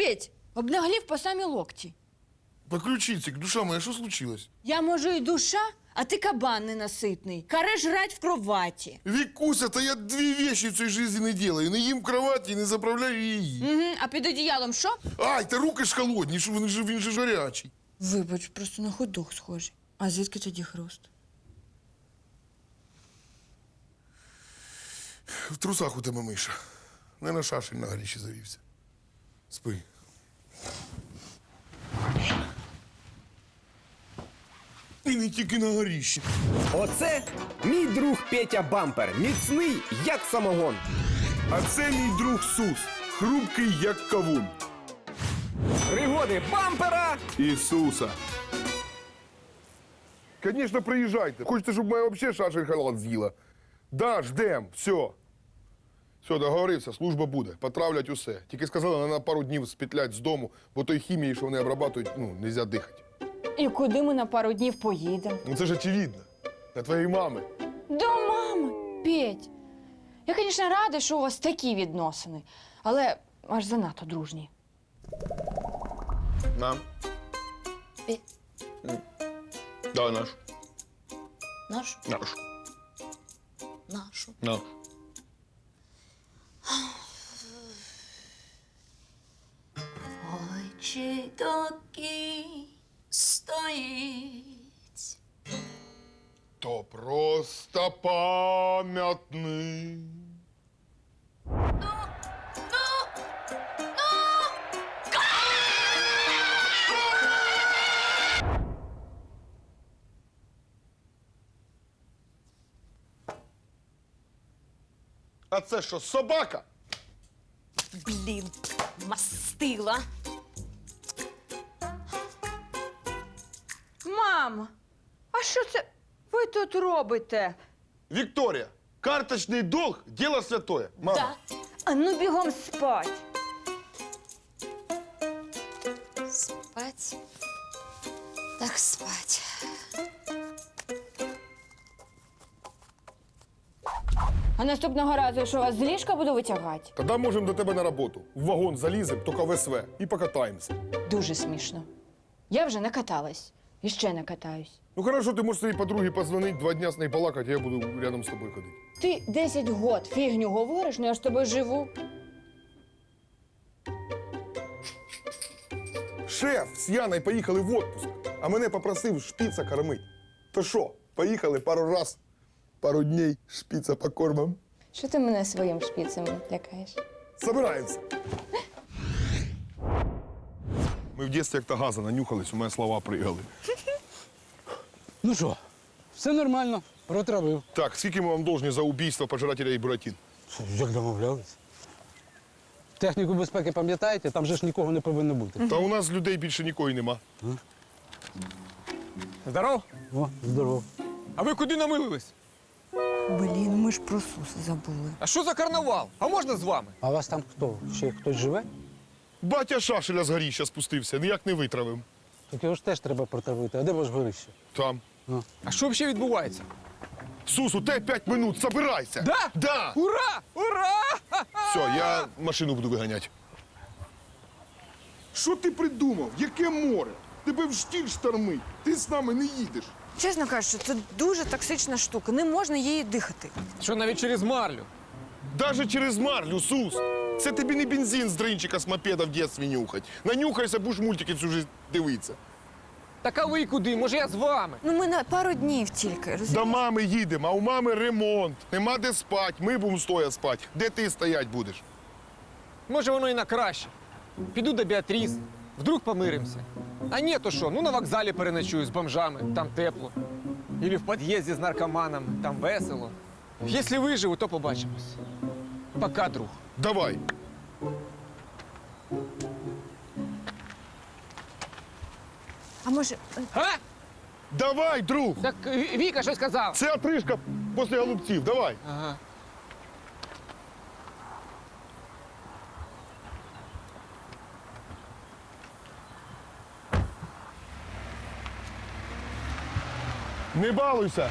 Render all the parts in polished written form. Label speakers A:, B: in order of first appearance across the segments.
A: Петь, обнаглів по самі локті.
B: По ключиці, душа моя, що случилось?
A: Я, може, і душа, а ти кабан ненаситний. Каре жрать в кроваті.
B: Вікуся, та я дві вещи в цій житті не делаю. Не їм в кроваті, не заправляю її.
A: Угу. А під одіялом що?
B: Ай, та руки ж холодні, що він же жарячий.
A: Вибач, просто на ходок схожий. А звідки тоді хруст?
B: В трусах у тебе миша. Не на шашель на горіші завівся. Спи. І не тільки на горіші.
C: Оце мій друг Петя Бампер. Міцний, як самогон.
B: А це мій друг Сус. Хрупкий, як кавун.
C: Пригоди бампера.
B: Ісуса. Конечно, приїжджайте. Хочете, щоб моя взагалі шашель халат з'їла? Да, ждем, все. Все, договорився, служба буде. Потравлять усе. Тільки сказали, на пару днів спетлять з дому, бо той хімії, що вони обрабатують, нельзя дихати.
A: І куди ми на пару днів поїдемо?
B: Ну це ж очевидно. До твоєї мами.
A: До мами. Петь, я, звісно, рада, що у вас такі відносини, але аж занадто дружні.
B: Нам?
A: Петь.
B: Да, наш.
A: Наш?
B: Наш.
A: Нашу.
B: Наш.
D: Ой, чи такий стоїть.
B: То просто пам'ятний. А це що, собака?
D: Блін, мастила.
A: Мам, а що це ви тут робите?
B: Вікторія, карточний долг – діло святое. Мама.
D: Да.
A: А ну бігом спать.
D: Спать. Так спать.
A: А наступного разу я що, вас з ліжка буду витягати?
B: Тоді можемо до тебе на роботу. В вагон залізем, тільки в СВ, і покатаємося.
A: Дуже смішно. Я вже накаталась. І ще накатаюсь.
B: Ну хорошо, ти можеш своїй подругі позвонити, 2 дня з нею балакати, я буду рядом з тобою ходити.
A: Ти 10 год фігню говориш, ну я ж з тобою живу.
B: Шеф з Яною поїхали в отпуск, а мене попросив шпіца кормити. То що, поїхали пару раз, пару днів шпіца покормим.
A: Що ти мене своїм шпіцем лякаєш?
B: Собираємося. Ми в дитинстві як-то газа нанюхались, у мене слова пригали.
E: Ну що, все нормально, протравив.
B: Так, скільки ми вам должні за убійство пожирателя і буратин?
E: Як домовлялись? Техніку безпеки пам'ятаєте? Там же ж нікого не повинно бути.
B: Та у нас людей більше нікого й нема.
F: Здоров?
E: О, здорово.
F: А ви куди намилились?
A: Блін, ми ж про Суса забули.
F: А що за карнавал? А можна з вами?
E: А у вас там хто? Ще хтось живе?
B: Батя шашеля з горіща спустився, ніяк не витравив.
E: Так його ж теж треба протравити. А де ваш горище?
B: Там.
F: А що взагалі відбувається?
B: Сус, у тебе 5 минут, собирайся!
F: Да?
B: Да!
F: Ура! Ура!
B: Все, я машину буду виганяти. Що ти придумав? Яке море? Тебе в штіль штормить. Ти з нами не їдеш.
A: Чесно кажучи, це дуже токсична штука. Не можна її дихати.
F: Що навіть через марлю?
B: Даже через марлю, Сус. Це тобі не бензин з дринчика з мопеда в дитинстві нюхать. Нанюхайся, будеш мультики всю жизнь дивитися.
F: Так а ви куди? Може я з вами?
A: Ну ми на пару днів тільки, розумієш?
B: До мами їдемо, а у мами ремонт. Нема де спати, ми будемо стоя спати. Де ти стоять будеш?
F: Може воно і на краще. Піду до Біатріс, вдруг помиримося. А ні, то що? Ну на вокзалі переночую з бомжами, там тепло. Ілі в під'їзді з наркоманом, там весело. Якщо виживу, то побачимось. Пока, друг.
B: Давай.
A: А може,
F: А?
B: Давай, друг.
F: Так Віка щось сказала.
B: Це отрижка після голубців. Давай.
F: Ага.
B: Не балуйся.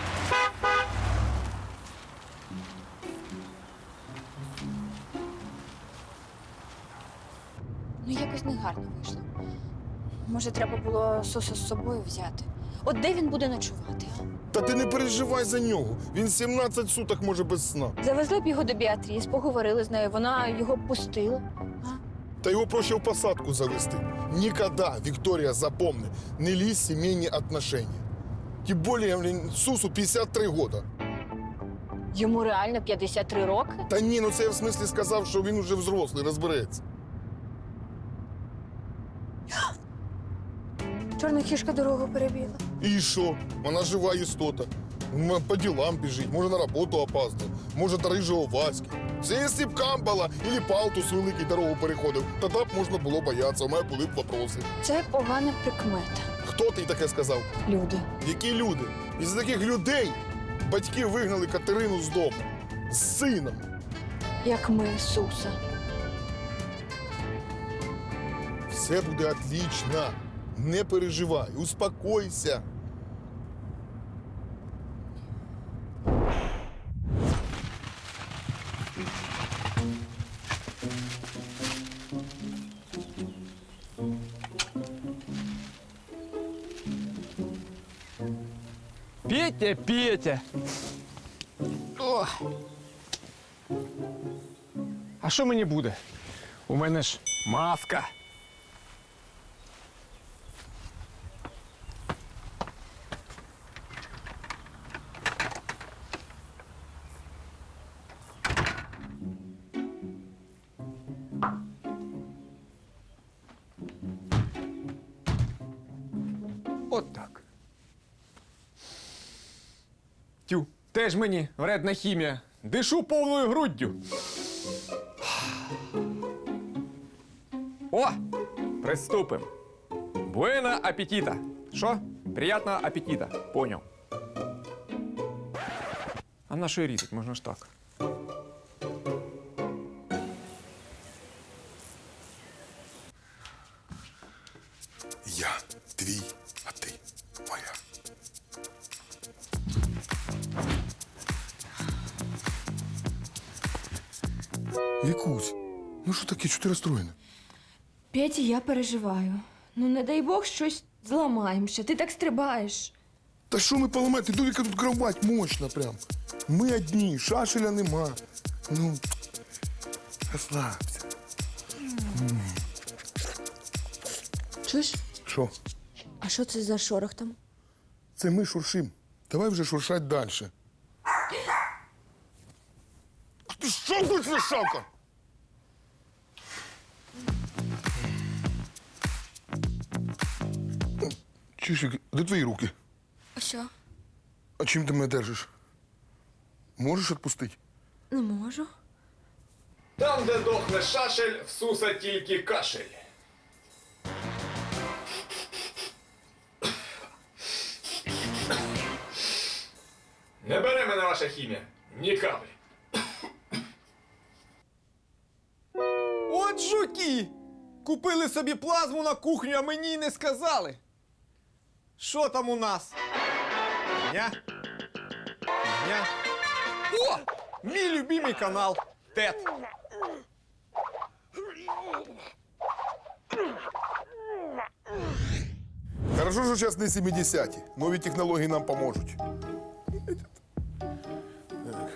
A: Ну, якось негарно вийшло. Може, треба було Суса з собою взяти. От де він буде ночувати, а?
B: Та ти не переживай за нього. Він 17 суток може без сна.
A: Завезли б його до Біатріс, поговорили з нею, вона його б пустила.
B: Та його проще в посадку завести. Никогда, Виктория, запомни, не лізь в сімейні отношения. Тим більше, блін, Сусу 53 года.
A: Йому реально 53 роки?
B: Та ні, ну це я в смислі сказав, що він уже взрослий, розбереться.
A: Чорна кішка дорогу перебігла.
B: І що? Вона жива істота. По ділам біжить, може на роботу опаздує, може до рижого Васьки. Це якщо б Камбала або Палтус великий дорогу переходив, тоді б можна було боятися, у мене були б вопроси.
A: Це погана прикмета.
B: Хто ти таке сказав?
A: Люди.
B: Які люди? Із таких людей батьки вигнали Катерину з дому. З сином.
A: Як ми, Суса.
B: Все буде отлично. Не переживай, успокойся.
F: Петя, Петя. О. А що мені буде? У мене ж маска. От так. Тю, теж мені вредна хімія. Дишу повною груддю. О! Приступим. Буена апетита. Що? Приятного апетита. Поняв. А на що і різать? Можна ж так.
B: Я твій, а ти моя. Вікусь, ну що таке, чого ти розстроєна?
A: Петя, я переживаю. Ну, не дай Бог, щось зламаємося. Ти так стрибаєш.
B: Та що ми поламати? Довіка тут кровать мощна прям. Ми одні, шашеля нема. Ну, розслабся.
A: Чуєш?
B: Що?
A: А що це за шорох там?
B: Це ми шуршим. Давай вже шуршать далі. Ти що будеш шавка? Чишик, де твої руки?
A: А що?
B: А чим ти мене держиш? Можеш відпустити?
A: Не можу.
F: Там, де дохне шашель, в Суса тільки кашель. Не бере мене ваша хімія. Ні каплі. От жуки! Купили собі плазму на кухню, а мені й не сказали. Що там у нас? Ня? Ня? О! Мій любимий канал. ТЕТ.
B: Хорошо, що зараз не 70-ті. Нові технології нам поможуть. Так.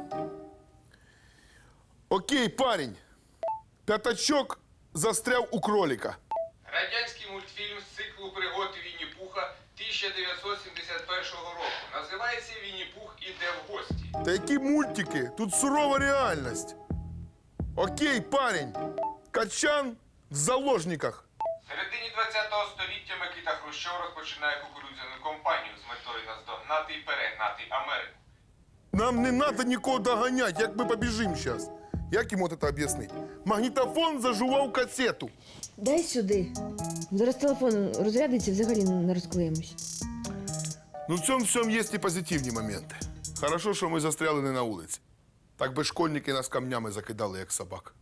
B: Окей, парень. П'ятачок застряв у кролика.
G: Радянський мультфільм з циклу пригод Вінні-Пуха 1971 року. Називається «Вінні-Пух іде в гості».
B: Та які мультики? Тут сурова реальність. Окей, парень. Качан в заложниках.
G: В середині 20-го століття Микита Хрущов розпочинає кукурудзяну кампанію з метою наздогнати і перегнати Америку.
B: Нам не треба нікого доганяти, як ми побіжимо зараз. Як йому це об'яснити? Магнітофон зажував касету.
H: Дай сюди. Зараз телефон розрядиться, взагалі не розклеїмось.
B: Ну, в цьому всьому є і позитивні моменти. Хорошо, що ми застряли не на вулиці. Так би школьники нас камнями закидали, як собак.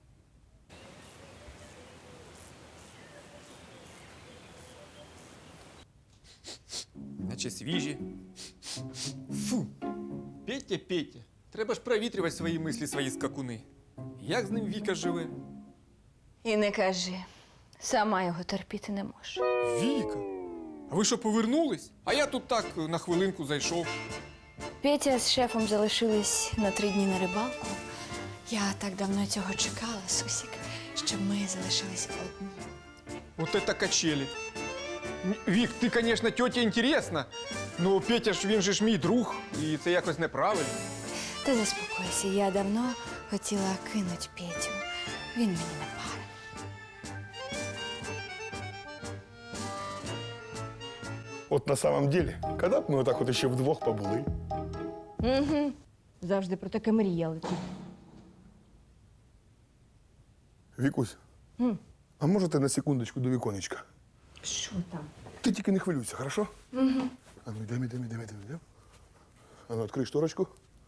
F: Наче свіжі. Фу. Петя, Петя. Треба ж провітрювати свої мислі, свої скакуни. Як з ним Віка живе?
A: І не кажи. Сама його терпіти не можу.
F: Віка, а ви що, повернулись? А я тут так на хвилинку зайшов.
A: Петя з шефом залишились на 3 дні на рибалку. Я так давно цього чекала, Сусік, щоб ми залишились одні.
F: Вот это качели. Вік, ти, звісно, тьоті інтересна, але Петя ж, він же ж мій друг, і це якось неправильно.
A: Та заспокойся, я давно хотіла кинуть Петю. Він мені не пара.
B: От на самом деле, коли б ми отак от ще вдвох побули?
H: Завжди про таке мріяли.
B: Вікусь, а може ти на секундочку до віконечка?
H: Що там?
B: Ти тільки не хвилюйся, хорошо? Угу. А ну, йдем. А ну, відкрий шторочку.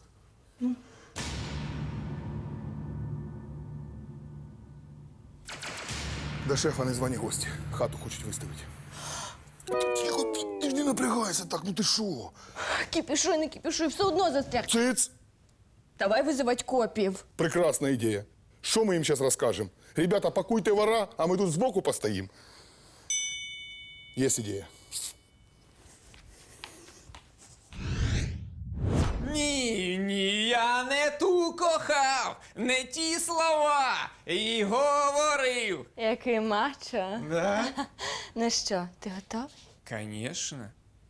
B: До шефа не звані гості. Хату хочуть виставити. Тихо, ти ж не напрягайся так, ну ти що?
H: Кіпішуй, не кіпішуй, все одно застряг.
B: Циц!
H: Давай визивати копів.
B: Прекрасна ідея. Що ми їм зараз розкажемо? Ребята, пакуйте вора, а ми тут збоку постоїмо. Є ідея.
F: Ні, я не ту кохав, не ті слова і говорив.
A: Який мачо.
F: Да?
A: Ну що, ти готовий?
F: Конечно.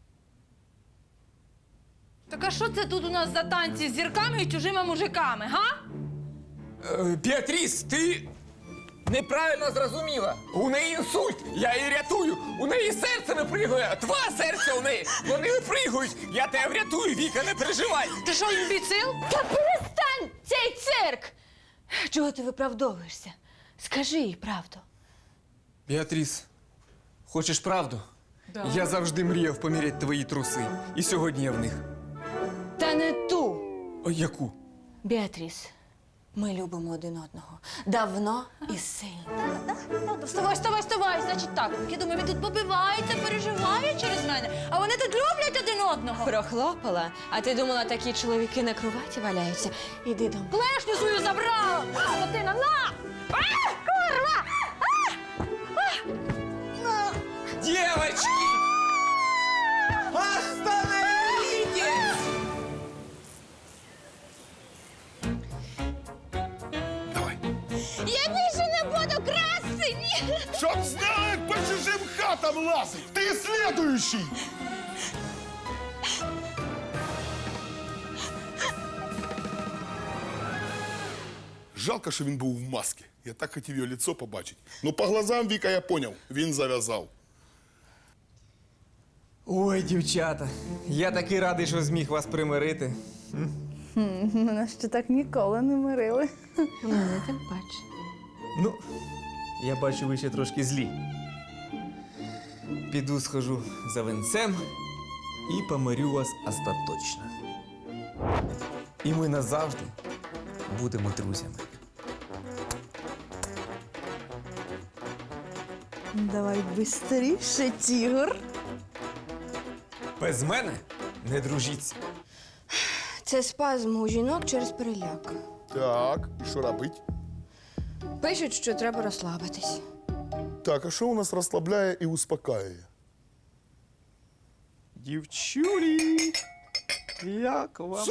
I: Так а що це тут у нас за танці з зірками і чужими мужиками, га?
F: Біатріс, ти неправильно зрозуміла. У неї інсульт, я її рятую. У неї серце випригує, 2 серця у неї. Вони випригують. Я тебе врятую, Віка, не переживай.
I: Ти що, імбіцил?
A: Та перестань цей цирк! Чого ти виправдовуєшся? Скажи їй правду.
F: Біатріс, хочеш правду? Да. Я завжди мріяв поміряти твої труси. І сьогодні я в них.
A: Та не ту.
F: Ой, яку?
A: Біатріс, ми любимо один одного. Давно і сильно.
I: Вставай. Значить так, я думаю, він тут побивається, переживає через мене, а вони тут люблять один одного.
A: Прохлопала, а ти думала, такі чоловіки на кроваті валяються? Іди до мене.
I: Клешню свою забрала! Скотина, на! Курва!
F: Девочки! Остановитесь!
B: Давай.
I: Я більше не буду красені!
B: Чтоб знать, по чужим хатам лазить! Ты следующий! Жалко, що він був в масці. Я так хотів його лицо побачити. Ну, по глазам Віка я поняв, він зав'язав.
F: Ой, дівчата, я такий радий, що зміг вас примирити.
H: Мене ще так ніколи не мирили.
A: Мене тим паче.
F: Ну, я бачу, ви ще трошки злі. Піду схожу за венцем і помирю вас остаточно. І ми назавжди будемо друзями.
H: Давай бистріше, тігр.
F: Без мене не дружіться.
A: Це спазм у жінок через переляк.
B: Так, і що робить?
A: Пишуть, що треба розслабитись.
B: Так, а що у нас розслабляє і успокаює?
F: Дівчулі, як вам?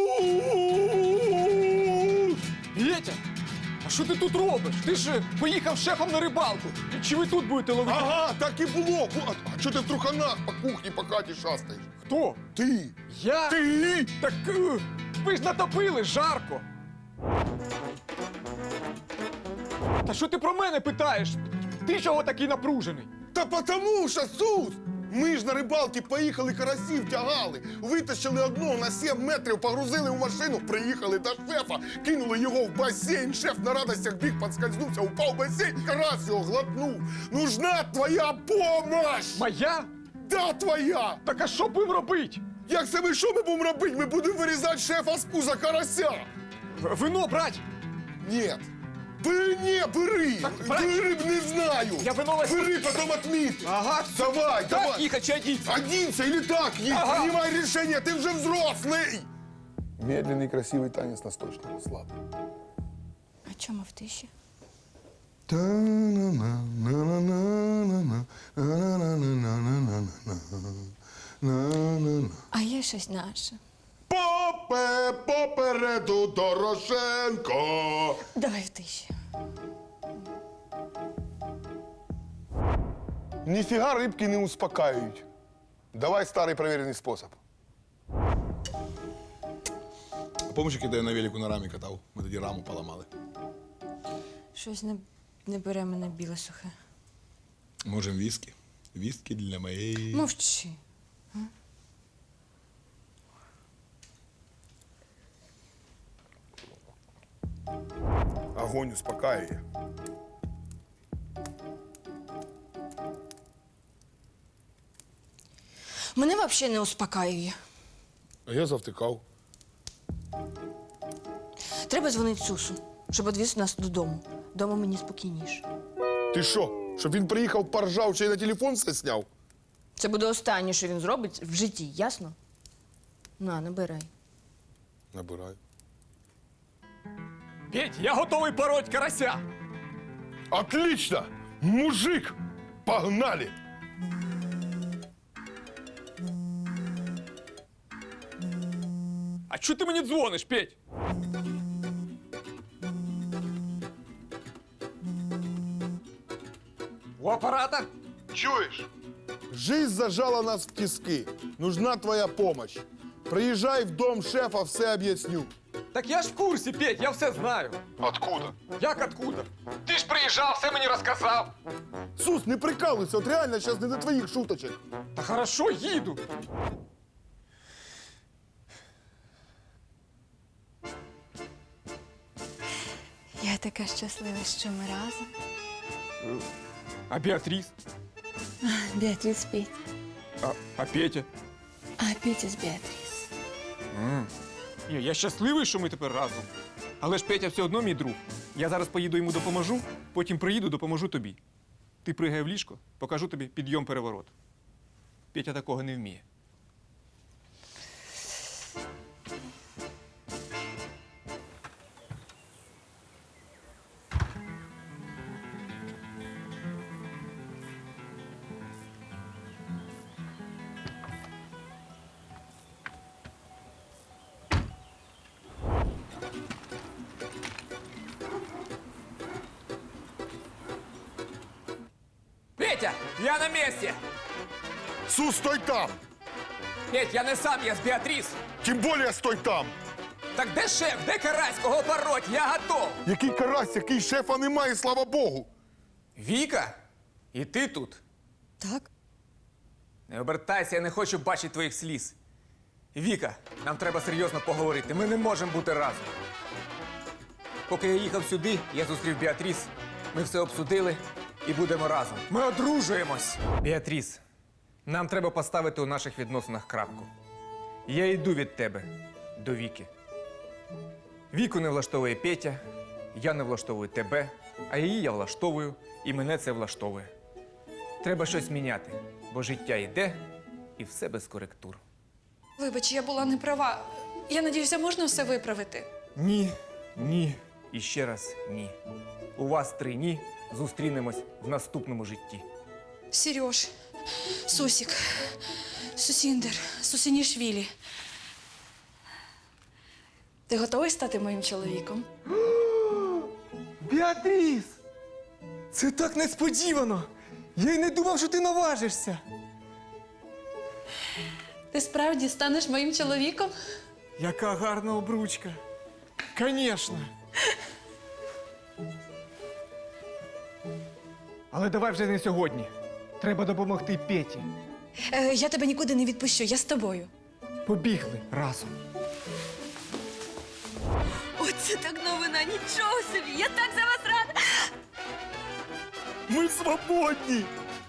F: Вітя, а що ти тут робиш? Ти ж поїхав з шефом на рибалку. Чи ви тут будете ловити?
B: Ага, так і було. А чого ти в труханах по кухні, по хаті шастаєш?
F: Хто?
B: Ти!
F: Я?
B: Ти!
F: Так ви ж натопили, жарко. Та що ти про мене питаєш? Ти чого такий напружений?
B: Та потому що, Сус! Ми ж на рибалки поїхали, карасів тягали, витащили одного на 7 метрів, погрузили в машину, приїхали до шефа, кинули його в басейн. Шеф на радостях біг, підскользнувся, упав в басейн, карась його глотнув. Нужна твоя помощь!
F: Моя?
B: Да, твоя!
F: Так а що будемо робити?
B: Як це ми що ми будемо робити? Ми будемо вирізати шефа з пуза карася!
F: Вино брать!
B: Нет. Бери, не, бери!
F: брать.
B: Бери, не знаю!
F: Я вино возьму.
B: Бери, потом отметь!
F: Ага,
B: Давай,
F: так,
B: давай!
F: їхати чи одіться?
B: Оденься или так есть,
F: Ага.
B: принимай решение, ты уже взрослый! Медленный, красивый танец на сточном, слабый.
A: А чому в тиші? А є щось наше.
B: Попе попереду Дорошенко.
A: Давай в тиші.
B: Ніфіга рибки не успокаюють. Давай старий перевірений спосіб. А помниш, як я на велику на рамі катав? Ми тоді раму поламали.
A: Щось не бере мене біле сухе.
B: Можем віскі. Віскі для моєї...
A: Мовчи.
B: Огонь успокаює.
A: Мене взагалі не успокаює.
B: А я завтикав.
A: Треба дзвонити Сусу, щоб відвіз нас додому. Дома мені спокійніше.
B: Ти що? Щоб він приїхав, поржав, чи й на телефон все сняв?
A: Це буде останнє, що він зробить в житті, ясно? На, набирай.
B: Набирай.
F: Петь, я готовий пороть карася.
B: Отлично! Мужик! Погнали!
F: А чого ти мені дзвониш, Петь? У апарата?
B: Чуєш? Жизнь зажала нас в тиски. Нужна твоя помощь. Приезжай в дом шефа, все объясню.
F: Так я ж в курсі, Петь, я все знаю.
B: Откуда?
F: Як откуда? Ти ж приїжджав, все мені розказав.
B: Сус, не прикалуйся, от реально сейчас не до твоих шуточек.
F: Та хорошо, їду.
A: Я така щаслива, що ми разом.
F: А Біатріс?
A: Біатріс спить.
F: А Петя?
A: А Петя з Біатріс.
F: Ні, я щасливий, що ми тепер разом. Але ж Петя все одно мій друг. Я зараз поїду йому допоможу, потім приїду, допоможу тобі. Ти пригай в ліжко, покажу тобі підйом-переворот. Петя такого не вміє. Петя, я на місці!
B: Сус, стой там!
F: Петь, я не сам, я з Біатріс.
B: Тем более стой там!
F: Так де шеф, де карась, кого пороть? Я готов.
B: Який карась, який шефа немає, слава Богу!
F: Віка? І ти тут?
A: Так?
F: Не обертайся, я не хочу бачити твоїх сліз. Віка, нам треба серйозно поговорити. Ми не можемо бути разом. Поки я їхав сюди, я зустрів Біатріс. Ми все обсудили і будемо разом. Ми одружуємось. Біатріс, нам треба поставити у наших відносинах крапку. Я йду від тебе до Віки. Віку не влаштовує Петя, я не влаштовую тебе, а її я влаштовую, і мене це влаштовує. Треба щось міняти, бо життя йде, і все без коректур.
I: Вибач, я була не права. Я надіюся, можна все виправити.
F: Ні, ні і ще раз ні. У вас 3 ні. Зустрінемось в наступному житті.
I: Сереж, Сусік, Сусіндер, Сусінішвілі. Ти готовий стати моїм чоловіком?
F: Біатріс! Це так несподівано! Я й не думав, що ти наважишся.
I: Ти справді станеш моїм чоловіком?
F: Яка гарна обручка. Конечно. Але давай вже не сьогодні. Треба допомогти Петі.
I: Я тебе нікуди не відпущу, я з тобою.
F: Побігли разом.
D: Оце так новина, нічого собі! Я так за вас рада!
B: Ми свободні!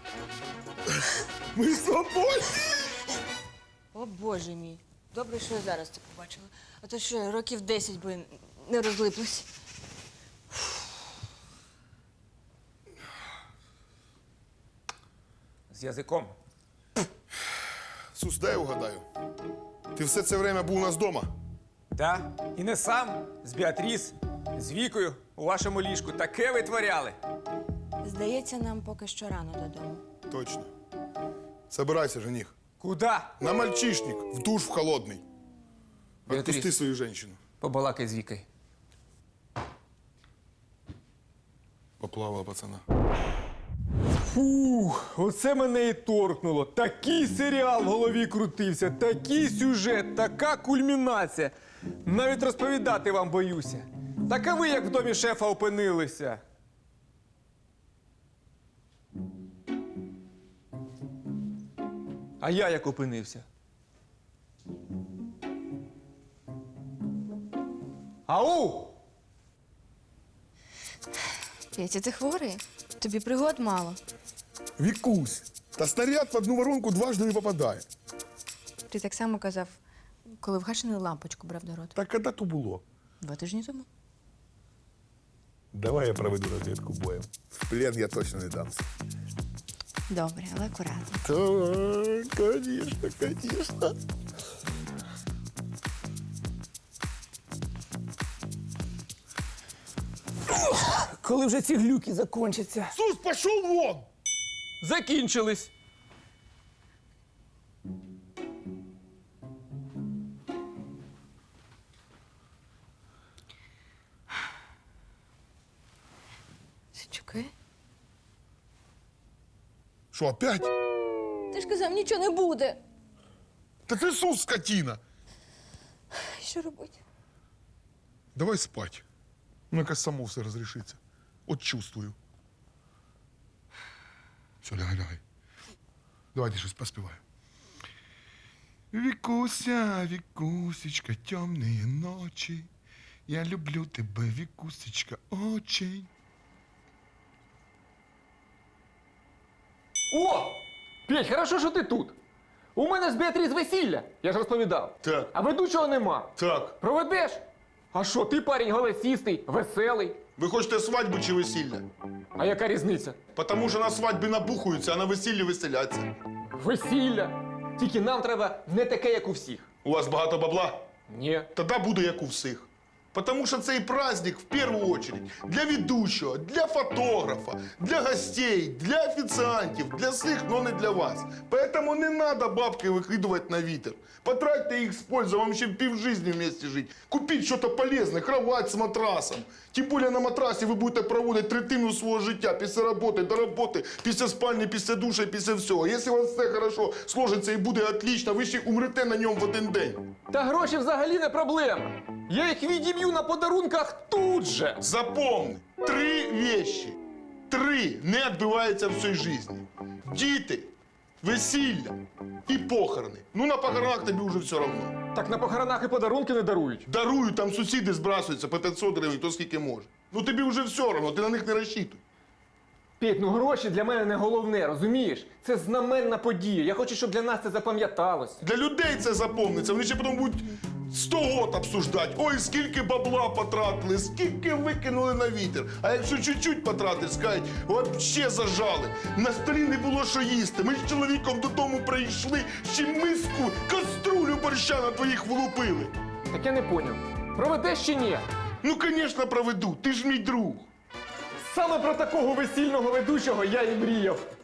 B: Ми свободні!
A: О, Боже мій. Добре, що я зараз це побачила. А то що, років 10 би не розлиплась.
F: З язиком.
B: Сус, дай угадаю. Ти все це время був у нас вдома?
F: Да? І не сам, з Біатріс, з Вікою. У вашому ліжку таке витворяли.
A: Здається, нам поки що рано додому.
B: Точно. Собирайся, жених.
F: Куда?
B: На мальчишник, в душ в холодный.
F: Беатрис.
B: Отпусти свою женщину.
F: Побалакай з Вікою.
B: Поплавала пацана.
F: Фух, оце мене і торкнуло. Такий серіал в голові крутився, такий сюжет, така кульмінація. Навіть розповідати вам боюся. Так а ви як в домі шефа опинилися? А я як опинився? Ау!
A: Петя, ти хворий? Тобі пригод мало.
B: Вікусь, та снаряд в одну воронку дважды не попадає.
A: Ти так само казав, коли вгашену лампочку брав до рота.
B: Так коли то було? 2
A: тижні тому.
B: Давай я проведу розвідку боєм. В плен я точно не дамся.
A: Добре, але акуратно.
B: Так, конечно, конечно.
F: Коли вже ці глюки закінчаться?
B: Сус, пошел вон!
F: Закінчились.
A: Сичуки?
B: Що, опять?
A: Ти ж казав, нічого не буде.
B: Та ти Сус, скотина!
A: Що робити?
B: Давай спать. Ну, якось само все розрішиться. От чувствую. Все, лягай, лягай. Давайте щось поспіваю. Вікуся, Вікусечка, темні ночі. Я люблю тебе, Вікусечка, очень.
F: О! Петь, хорошо, що ти тут. У мене з Беатріс весілля, я ж розповідав.
B: Так.
F: А ведучого нема.
B: Так.
F: Проведеш? А що, ти парень голосістий, веселий.
B: Ви хочете свадьбу чи весілля?
F: А яка різниця?
B: Потому що на свадьбі набухаються, а на весіллі веселяться.
F: Весілля. Тільки нам треба не таке, як у всіх.
B: У вас багато бабла?
F: Ні.
B: Тоді буде як у всіх. Потому що цей праздник в першу очередь для ведучого, для фотографа, для гостей, для офіціантів, для всіх, но не для вас. Поэтому не надо бабки викидувати на вітер. Потратьте їх з пользой, вам ще півжизни вместе жить. Купіть щось полезне, кровать з матрасом. Тим більше на матрасі ви будете проводити третину свого життя після роботи, до роботи, після спальні, після душа, після всього. Якщо у вас все хорошо сложиться і буде отлично, ви ще умрете на ньому в один день.
F: Та гроші взагалі не проблема. Я їх відіб'ю на подарунках тут же.
B: Запомни, 3 вещи. 3 не відбуваються в цій житті. Діти, весілля і похорони. Ну, на похоронах тобі вже все одно.
F: Так на похоронах і подарунки не дарують.
B: Дарую, там сусіди збрасуються по 500 гривень, хто скільки може. Ну тобі вже все одно, ти на них не розчитуй.
F: Петь, ну гроші для мене не головне, розумієш? Це знаменна подія. Я хочу, щоб для нас це запам'яталось.
B: Для людей це запомниться, вони ще потім будуть 100 год обсуждати. Ой, скільки бабла потратили, скільки викинули на вітер. А якщо чуть-чуть потратить, скажуть, вообще зажали. На столі не було що їсти. Ми з чоловіком додому прийшли, ще миску, каструлю борща на твоїх влупили.
F: Так я не поняв. Проведеш чи ні?
B: Ну, звісно, проведу, ти ж мій друг.
F: Саме про такого весільного ведучого я і мріяв.